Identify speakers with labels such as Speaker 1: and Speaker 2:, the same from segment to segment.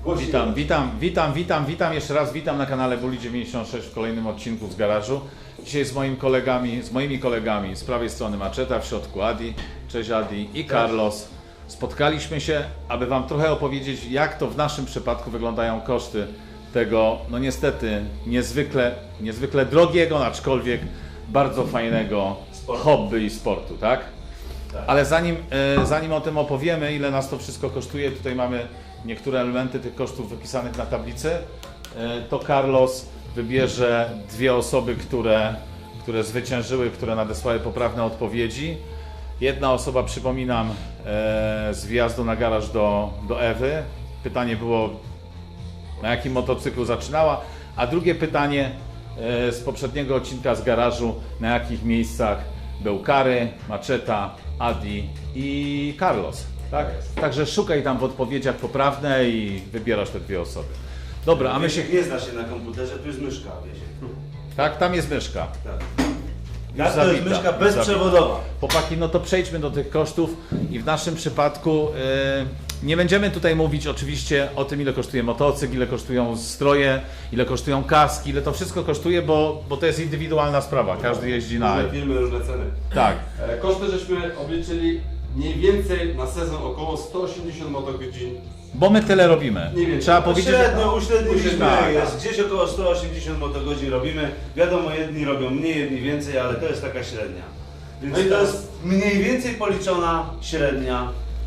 Speaker 1: Witam jeszcze raz, witam na kanale Bully 96 w kolejnym odcinku z garażu. Dzisiaj z moimi kolegami z prawej strony Maczeta, w środku Adi, cześć Adi i Carlos. Spotkaliśmy się, aby Wam trochę opowiedzieć, jak to w naszym przypadku wyglądają koszty tego, no niestety, niezwykle drogiego, aczkolwiek bardzo fajnego hobby i sportu, tak? Ale zanim o tym opowiemy, ile nas to wszystko kosztuje, tutaj mamy niektóre elementy tych kosztów wypisanych na tablicy, to Carlos wybierze dwie osoby, które zwyciężyły, które nadesłały poprawne odpowiedzi. Jedna osoba, przypominam, z wjazdu na garaż do Ewy. Pytanie było, na jakim motocyklu zaczynała, a drugie pytanie z poprzedniego odcinka z garażu, na jakich miejscach był Kary, Maczeta, Adi i Carlos. Tak? Także szukaj tam w odpowiedziach poprawne i wybierasz te dwie osoby. Dobra, a my się...
Speaker 2: Nie zna się na komputerze, tu jest myszka, wiecie.
Speaker 1: Tak, tam jest myszka.
Speaker 2: Tak. To jest myszka bezprzewodowa.
Speaker 1: Chłopaki, no to przejdźmy do tych kosztów i w naszym przypadku nie będziemy tutaj mówić oczywiście o tym, ile kosztuje motocykl, ile kosztują stroje, ile kosztują kaski, ile to wszystko kosztuje, bo to jest indywidualna sprawa, każdy jeździ na...
Speaker 3: Różne firmy, różne ceny.
Speaker 1: Tak.
Speaker 3: Koszty żeśmy obliczyli mniej więcej na sezon około 180 motogodzin.
Speaker 1: Bo my tyle robimy.
Speaker 3: Nie wiem,
Speaker 1: trzeba powiedzieć...
Speaker 2: Średnio uśredniliśmy,
Speaker 1: Tak,
Speaker 2: jest gdzieś około 180 motogodzin robimy. Wiadomo, jedni robią mniej, jedni więcej, ale to jest taka średnia. Więc
Speaker 3: No i
Speaker 2: to jest mniej więcej policzona średnia.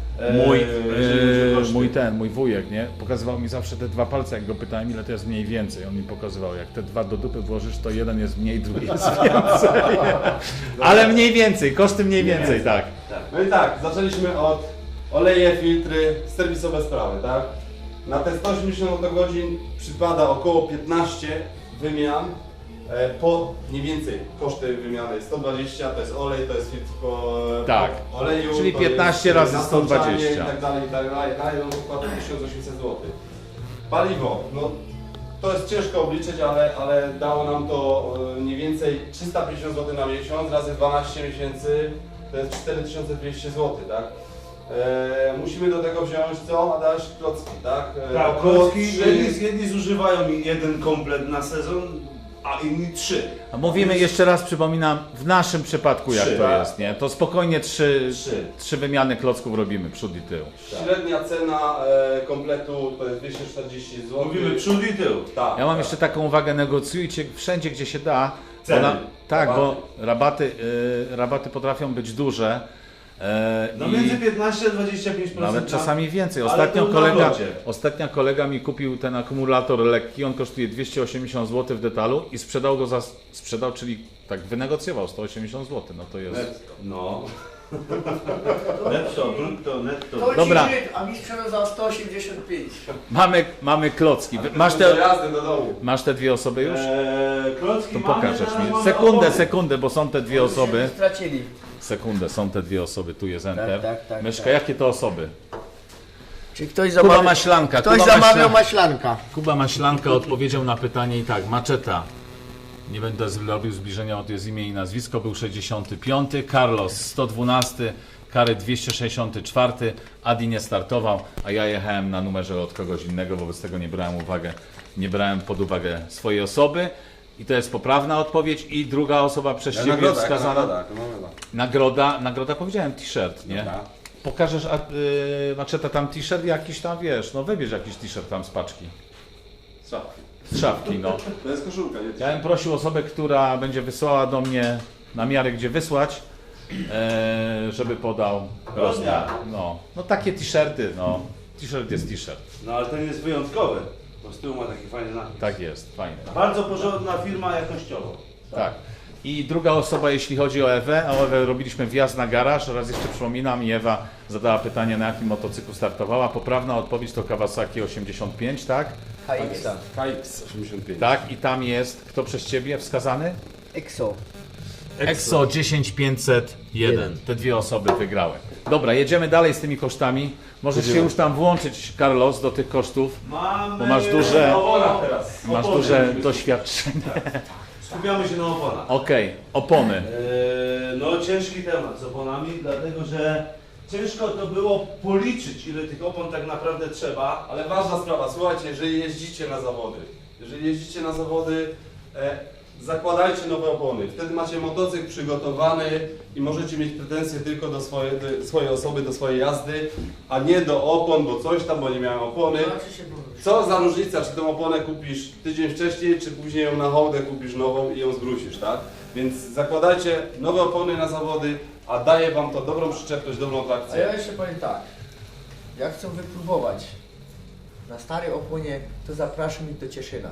Speaker 1: Mój wujek, nie? Pokazywał mi zawsze te dwa palce, jak go pytałem, ile to jest mniej więcej. On mi pokazywał, jak te dwa do dupy włożysz, to jeden jest mniej, drugi jest więcej. Ale mniej więcej, koszty mniej więcej, tak.
Speaker 3: No i tak, zaczęliśmy od oleje, filtry, serwisowe sprawy, tak? Na te 180 motogodzin przypada około 15 wymian. Po mniej więcej koszty wymiany 120, to jest olej, to jest filtr
Speaker 1: Tak.
Speaker 3: po oleju,
Speaker 1: Czyli
Speaker 3: to
Speaker 1: 15
Speaker 3: jest
Speaker 1: razy
Speaker 3: nasączanie
Speaker 1: 120.
Speaker 3: i tak dalej, no to wkłada 1800 zł. Paliwo, no to jest ciężko obliczyć, ale dało nam to mniej więcej 350 zł na miesiąc, razy 12 miesięcy, to jest 4200 zł, tak? Musimy do tego wziąć co? Adaś? Klocki, tak?
Speaker 2: Tak, klocki, jedni zużywają jeden komplet na sezon, a inni 3.
Speaker 1: A mówimy jeszcze raz, przypominam, w naszym przypadku jak
Speaker 2: Trzy,
Speaker 1: to
Speaker 2: tak.
Speaker 1: jest, nie? To spokojnie trzy wymiany klocków robimy, przód i tył.
Speaker 3: Średnia cena kompletu to jest 240 zł.
Speaker 2: Mówimy przód i tył.
Speaker 3: Tak,
Speaker 1: Ja mam
Speaker 3: tak.
Speaker 1: jeszcze taką uwagę, negocjujcie wszędzie, gdzie się da.
Speaker 2: Ceny.
Speaker 1: Tak,
Speaker 3: Rabaty.
Speaker 1: bo rabaty potrafią być duże.
Speaker 2: No
Speaker 1: i
Speaker 2: między 15 a 25%.
Speaker 1: nawet czasami więcej.
Speaker 2: Ale to na locie.
Speaker 1: Ostatnio kolega mi kupił ten akumulator lekki, on kosztuje 280 zł w detalu i sprzedał, czyli tak wynegocjował 180 zł. No to jest...
Speaker 2: No. Netto, brutto, netto.
Speaker 4: To
Speaker 1: Dobra.
Speaker 4: ci Żyd, a mi sprzedał za 185.
Speaker 1: Mamy klocki.
Speaker 3: Do jazdy do domu.
Speaker 1: Masz te dwie osoby już?
Speaker 2: Klocki
Speaker 1: To
Speaker 2: mamy,
Speaker 1: pokażesz
Speaker 2: teraz
Speaker 1: mi.
Speaker 2: mamy
Speaker 1: Sekundę,
Speaker 2: opony.
Speaker 1: sekundę, bo są te dwie osoby.
Speaker 4: Stracili.
Speaker 1: Sekundę, są te dwie osoby, tu jest Enter.
Speaker 4: tak,
Speaker 1: Myszka,
Speaker 4: tak.
Speaker 1: jakie to osoby?
Speaker 4: Czy ktoś
Speaker 1: Kuba
Speaker 4: zamawiał,
Speaker 1: Maślanka.
Speaker 4: ktoś zamawiał maślanka.
Speaker 1: Kuba Maślanka odpowiedział na pytanie i tak, Maczeta. Nie będę robił zbliżenia, bo to jest imię i nazwisko, był 65, Carlos 112, Kary 264, Adi nie startował, a ja jechałem na numerze od kogoś innego, wobec tego nie brałem pod uwagę swojej osoby. I to jest poprawna odpowiedź. I druga osoba przez Ciebie wskazana. Nagroda, powiedziałem t-shirt, nie?
Speaker 3: Dobra.
Speaker 1: Pokażesz, Maczeta, tam t-shirt jakiś tam, wiesz, no wybierz jakiś t-shirt tam z paczki. Z szafki, no.
Speaker 3: To jest koszulka, nie?
Speaker 1: Ja bym prosił osobę, która będzie wysyłała do mnie na miarę, gdzie wysłać, żeby podał rozmiar. No takie t-shirty, no. T-shirt jest t-shirt.
Speaker 2: No ale ten jest wyjątkowy, bo z tyłu ma taki fajny napis.
Speaker 1: Tak jest, fajne.
Speaker 2: Bardzo porządna firma jakościowo.
Speaker 1: Tak. I druga osoba, jeśli chodzi o Ewę, robiliśmy wjazd na garaż, raz jeszcze przypominam, i Ewa zadała pytanie, na jakim motocyklu startowała. Poprawna odpowiedź to Kawasaki 85, tak?
Speaker 3: KX 85.
Speaker 1: Tak, i tam jest, kto przez Ciebie wskazany?
Speaker 4: Exo.
Speaker 1: EXO 10501. Te dwie osoby wygrały. Dobra, jedziemy dalej z tymi kosztami. Możesz się już tam włączyć, Carlos, do tych kosztów,
Speaker 2: Mamy
Speaker 1: bo masz duże,
Speaker 2: opona teraz.
Speaker 1: masz
Speaker 2: Opony.
Speaker 1: duże doświadczenie.
Speaker 2: Skupiamy się na oponach.
Speaker 1: Okej, opony.
Speaker 2: No ciężki temat z oponami, dlatego że ciężko to było policzyć, ile tych opon tak naprawdę trzeba.
Speaker 3: Ale ważna sprawa, słuchajcie, jeżeli jeździcie na zawody, zakładajcie nowe opony. Wtedy macie motocykl przygotowany i możecie mieć pretensje tylko do swojej osoby, do swojej jazdy, a nie do opon, bo coś tam, bo nie miałem opony.
Speaker 4: Zobaczy się, bo-
Speaker 3: Co za różnica, czy tą oponę kupisz tydzień wcześniej, czy później ją na hołdę kupisz nową i ją zwrócisz, tak? Więc zakładajcie nowe opony na zawody, a daje wam to dobrą przyczepność, dobrą
Speaker 4: A
Speaker 3: trakcję.
Speaker 4: ja jeszcze powiem tak. Jak chcą wypróbować na starej oponie, to zapraszam ich do Cieszyna.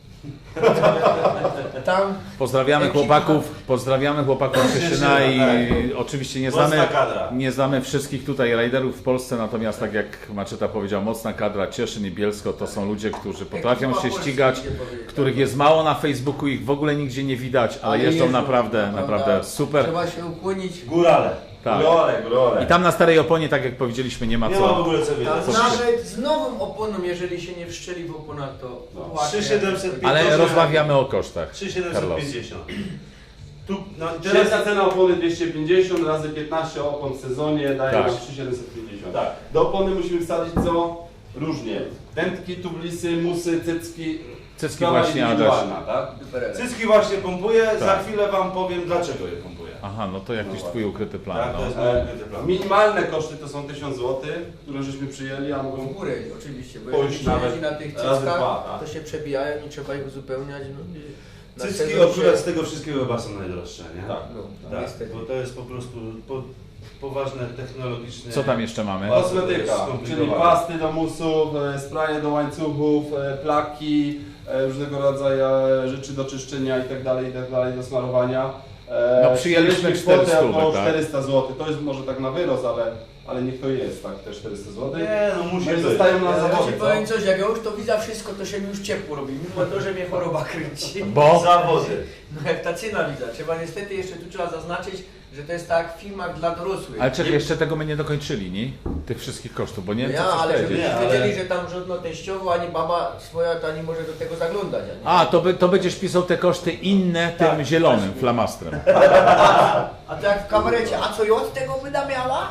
Speaker 4: Tam
Speaker 1: Pozdrawiamy chłopaków z Cieszyna i oczywiście
Speaker 2: Mocna kadra.
Speaker 1: nie znamy wszystkich tutaj rajderów w Polsce, natomiast tak jak Maczeta powiedział, mocna kadra Cieszyn i Bielsko to są ludzie, którzy potrafią
Speaker 4: ekipa
Speaker 1: się
Speaker 4: Polski,
Speaker 1: ścigać,
Speaker 4: idzie powiedzieć.
Speaker 1: których jest mało na Facebooku, ich w ogóle nigdzie nie widać, ale jeżdżą naprawdę super.
Speaker 4: Trzeba się ukłonić.
Speaker 2: Górale.
Speaker 1: Tak.
Speaker 3: Górole.
Speaker 1: I tam na starej oponie, tak jak powiedzieliśmy, nie ma
Speaker 2: Nie ma w
Speaker 1: co.
Speaker 2: ogóle co wiedzieć.
Speaker 4: Tam nawet z nową oponą, jeżeli się nie wszczeli w oponach, to ładnie.
Speaker 2: 3750.
Speaker 1: Ale rozmawiamy o kosztach.
Speaker 2: 3750. Tu, no i teraz
Speaker 3: Średnia cena opony 250 razy 15 opon w sezonie daje
Speaker 1: Tak.
Speaker 3: nam 3750.
Speaker 2: Tak.
Speaker 3: Do opony musimy wsadzić co? Różnie. Dętki, tublisy, musy, cycki.
Speaker 1: Cycki
Speaker 3: Sprawa
Speaker 1: właśnie, Adaś.
Speaker 3: indywidualna, tak?
Speaker 4: Duperele.
Speaker 2: cycki właśnie pompuję, za
Speaker 1: Tak.
Speaker 2: chwilę wam powiem dlaczego je pompuję.
Speaker 1: Aha, no to jakiś twój ukryty plan.
Speaker 2: Tak, to
Speaker 1: No.
Speaker 2: jest mój ukryty plan.
Speaker 3: Minimalne koszty to są 1000 zł, które żeśmy przyjęli, a mogą
Speaker 4: W górę oczywiście, bo
Speaker 3: Pójść
Speaker 4: jeżeli się
Speaker 3: nawet
Speaker 4: jeździ na tych
Speaker 3: razy
Speaker 4: cyckach,
Speaker 3: dwa, tak.
Speaker 4: to się przebijają i trzeba ich uzupełniać. No, i na
Speaker 2: Cycki
Speaker 4: sezon
Speaker 2: akurat
Speaker 4: się-
Speaker 2: z tego wszystkiego chyba są najdroższe, nie?
Speaker 3: Tak.
Speaker 4: No,
Speaker 2: Tak,
Speaker 4: niestety.
Speaker 2: bo to jest po prostu poważne technologiczne.
Speaker 1: Co tam jeszcze mamy?
Speaker 3: kosmetyka,
Speaker 2: Skomplikowane.
Speaker 3: czyli pasty do musów, spraye do łańcuchów, plaki, różnego rodzaju rzeczy do czyszczenia itd., do smarowania.
Speaker 1: No, przyjęliśmy
Speaker 3: kwotę
Speaker 1: 400,
Speaker 3: około
Speaker 1: tak?
Speaker 3: 400 zł. To jest może tak na wyrost, ale niech to jest, tak, te 400 zł.
Speaker 2: Nie, no musi
Speaker 3: No i
Speaker 2: być.
Speaker 3: zostają na
Speaker 4: Ja
Speaker 3: zawody,
Speaker 4: ci
Speaker 3: co?
Speaker 4: powiem coś, jak ja już to widzę wszystko, to się mi już ciepło robi, mimo to, że mnie choroba kręci.
Speaker 1: Bo
Speaker 2: Zawody.
Speaker 4: No jak ta cena widać, trzeba niestety jeszcze tu trzeba zaznaczyć, że to jest tak w filmach dla dorosłych.
Speaker 1: ale czekaj, jeszcze tego my nie dokończyli, nie? Tych wszystkich kosztów, bo nie wiem,
Speaker 4: Ja,
Speaker 1: co chcesz
Speaker 4: ale żeby
Speaker 1: powiedzieć.
Speaker 2: Nie, ale-
Speaker 4: wiedzieli, że tam żadno teściowo, ani baba swoja, to ani może do tego zaglądać. Ani.
Speaker 1: A, to będziesz pisał te koszty inne tym
Speaker 2: Tak,
Speaker 1: zielonym flamastrem.
Speaker 4: A to jak w kabarecie, a co ja od tego będę miała?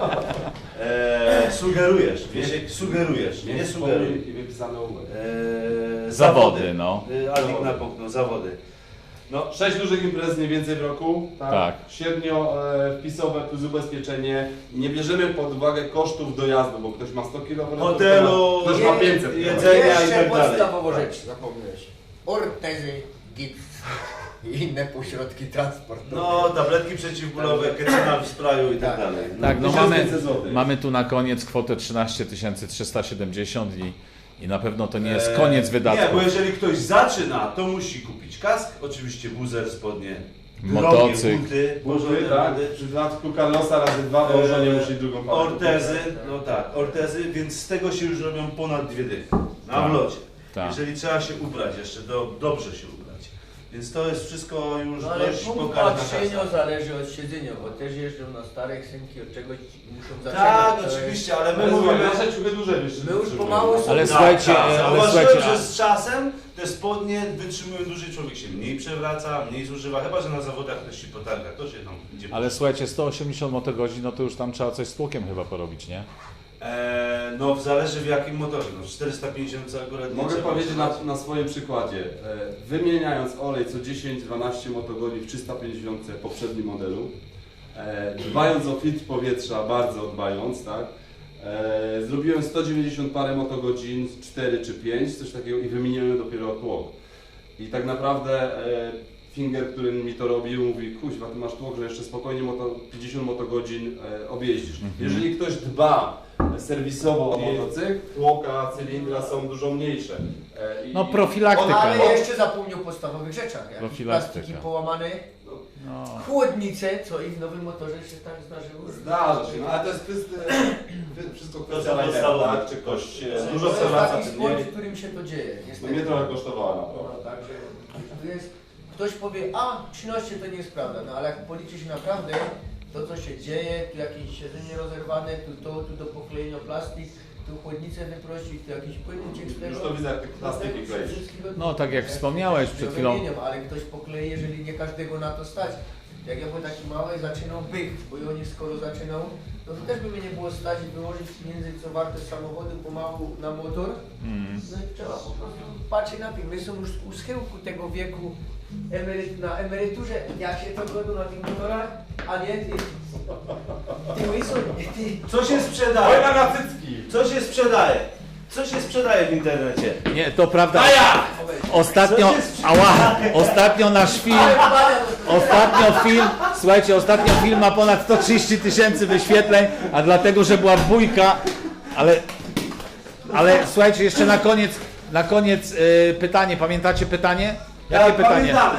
Speaker 2: Sugerujesz, Wiesiek, sugerujesz, nie sugeruj.
Speaker 3: I wypisane umowę.
Speaker 1: Zawody, no.
Speaker 2: Adik napomknął, zawody.
Speaker 3: No, 6 dużych imprez mniej więcej w roku, tak?
Speaker 1: Tak.
Speaker 3: Średnio wpisowe plus ubezpieczenie. Nie bierzemy pod uwagę kosztów dojazdu, bo ktoś ma 100 km,
Speaker 2: Hotelu,
Speaker 3: ktoś ma 500 km.
Speaker 2: jedzenia i
Speaker 4: Jeszcze
Speaker 2: tak dalej.
Speaker 4: podstawową rzecz zapomniałeś. Ortezy, gips i inne pośrodki transportowe.
Speaker 2: No, tabletki przeciwbólowe, ketamina w sprayu i tak
Speaker 4: Tak.
Speaker 2: dalej.
Speaker 1: Tak, no
Speaker 3: 1500 złotych.
Speaker 1: mamy tu na koniec kwotę 13 370 i na pewno to nie jest koniec
Speaker 2: Nie,
Speaker 1: wydatków.
Speaker 2: bo jeżeli ktoś zaczyna, to musi kupić kask, oczywiście buzer, spodnie,
Speaker 1: Motocykl.
Speaker 2: drogie buty,
Speaker 3: Buty,
Speaker 2: porządne
Speaker 3: tak?
Speaker 2: buty,
Speaker 3: W przypadku Carlosa razy 2, bo żonie musi drugą parę.
Speaker 2: ortezy, no tak, ortezy, więc z tego się już robią ponad 2 dychy na
Speaker 1: Tak.
Speaker 2: wlocie.
Speaker 1: Tak.
Speaker 2: Jeżeli trzeba się ubrać jeszcze, dobrze się ubrać. Więc to jest wszystko już
Speaker 4: No ale
Speaker 2: dość
Speaker 4: punkt
Speaker 2: pokaźna
Speaker 4: patrzenia
Speaker 2: kasa.
Speaker 4: zależy od siedzenia, bo też jeżdżą na starych synki, od czegoś muszą zaczynać.
Speaker 2: Tak,
Speaker 4: to jest-
Speaker 2: oczywiście, ale my
Speaker 3: Ale
Speaker 2: mówimy...
Speaker 3: mówimy, nasze ciuchy duże wiesz.
Speaker 4: My już pomału są-
Speaker 1: Ale
Speaker 4: Tak,
Speaker 1: słuchajcie,
Speaker 2: tak,
Speaker 1: ale
Speaker 2: zauważyłem,
Speaker 1: słuchajcie,
Speaker 2: że z czasem te spodnie wytrzymują dłużej, człowiek się mniej przewraca, mniej zużywa, chyba że na zawodach ktoś się potarga, to się tam idzie.
Speaker 1: ale słuchajcie, 180 motogodzin, no to już tam trzeba coś z tłokiem chyba porobić, nie?
Speaker 2: No zależy w jakim motorze, no 450 co akurat nie
Speaker 3: Mogę
Speaker 2: trzeba
Speaker 3: powiedzieć
Speaker 2: używać.
Speaker 3: na swoim przykładzie. Wymieniając olej co 10-12 motogodzin w 350 poprzednim modelu, dbając o filtr powietrza, bardzo dbając, tak? Zrobiłem 190 parę motogodzin, 4 czy 5, coś takiego i wymieniłem dopiero tłok. I tak naprawdę Finger, który mi to robił, mówi, kuźwa, ty masz tłok, że jeszcze spokojnie 50 motogodzin objeździsz. Jeżeli ktoś dba serwisowo o motocykl, tłoka, cylindra są dużo mniejsze.
Speaker 1: No profilaktyka.
Speaker 4: Ale
Speaker 1: no.
Speaker 4: jeszcze zapomniał o podstawowych rzeczach, jak
Speaker 1: Profilaktyka.
Speaker 4: plastiki połamane,
Speaker 1: No.
Speaker 4: chłodnice, co i w nowym motorze się tak zdarzyło.
Speaker 3: Zdarza się, no ale to jest wszystko
Speaker 2: To
Speaker 3: kwestia
Speaker 2: są
Speaker 3: lidera,
Speaker 2: podstawowe.
Speaker 3: tak? Czy ktoś
Speaker 4: To
Speaker 3: dużo
Speaker 4: jest
Speaker 3: przewraca,
Speaker 4: taki
Speaker 3: czy
Speaker 4: sport,
Speaker 3: nie.
Speaker 4: w którym się to dzieje,
Speaker 3: To
Speaker 4: niestety.
Speaker 3: mnie trochę kosztowało
Speaker 4: No,
Speaker 3: naprawdę.
Speaker 4: także tu jest, ktoś powie, a 13 to nie jest prawda, no ale jak policzy się naprawdę to co się dzieje, tu jakieś siedzenie rozerwane, tu do poklejenia plastik, tu chłodnicę wyprosić, tu jakiś płyn uciekł z tego.
Speaker 3: Już to widzę, jak te plastiki kleisz.
Speaker 1: No tak jak wspomniałeś przed chwilą.
Speaker 4: Ale ktoś poklei, jeżeli nie każdego na to stać. Jak ja byłem taki mały, zaczynał bych, bo i oni skoro zaczynał, no to też by mnie nie było stać wyłożyć pieniędzy, co wartość samochodu pomału na motor. No i trzeba po prostu patrzeć na tym. My są już u schyłku tego wieku na emeryturze, jak się to godzą na tych motorach, a nie ty. Ty łyso, ty.
Speaker 2: Co się sprzedaje?
Speaker 3: Wojna na cycki!
Speaker 2: Co się sprzedaje? Co się sprzedaje w internecie?
Speaker 1: Nie, to prawda.
Speaker 2: Ostatnio...
Speaker 1: Ostatnio nasz film, ostatnio film ma ponad 130 000 wyświetleń, a dlatego, że była bójka, ale słuchajcie, jeszcze na koniec pytanie, pamiętacie pytanie? Jakie pytanie?
Speaker 2: Pamiętamy.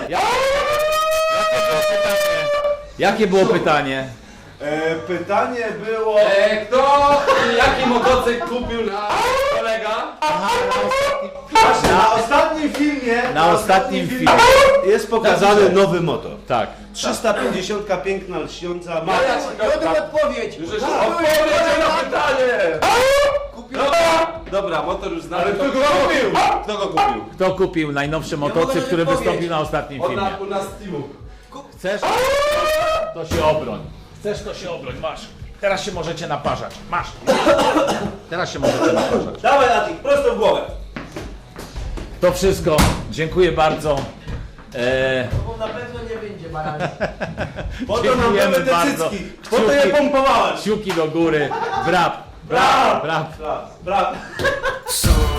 Speaker 1: Jakie było pytanie?
Speaker 2: Pytanie było...
Speaker 3: Kto i jaki motocykl kupił na kolega?
Speaker 2: Właśnie, na ostatnim filmie...
Speaker 1: Na ostatnim filmie.
Speaker 2: Jest pokazany nowy motor.
Speaker 1: Tak.
Speaker 2: 350, piękna, lśniąca.
Speaker 3: Ja ci
Speaker 4: Jodem odpowiedź.
Speaker 3: Już jeszcze odpowiedział na pytanie! Dobra, motor już znany. Ale kto go kupił? Kto go kupił?
Speaker 1: Kto kupił najnowszy motocykl, który wystąpił na ostatnim filmie?
Speaker 3: U nas Steamu.
Speaker 1: Chcesz? To się obroń. Chcesz, to się obroń. Masz. Teraz się możecie naparzać. Masz. Teraz się możecie naparzać.
Speaker 2: Dawaj, Adik, prosto w głowę.
Speaker 1: To wszystko. Dziękuję bardzo.
Speaker 4: Bo na pewno nie będzie barani.
Speaker 2: Po to nam
Speaker 1: Dziękujemy
Speaker 2: były te
Speaker 1: bardzo.
Speaker 2: cycki. Po to je pompowałem.
Speaker 1: Kciuki do góry. Brap. Brap. Brap.
Speaker 2: Brawo.
Speaker 5: So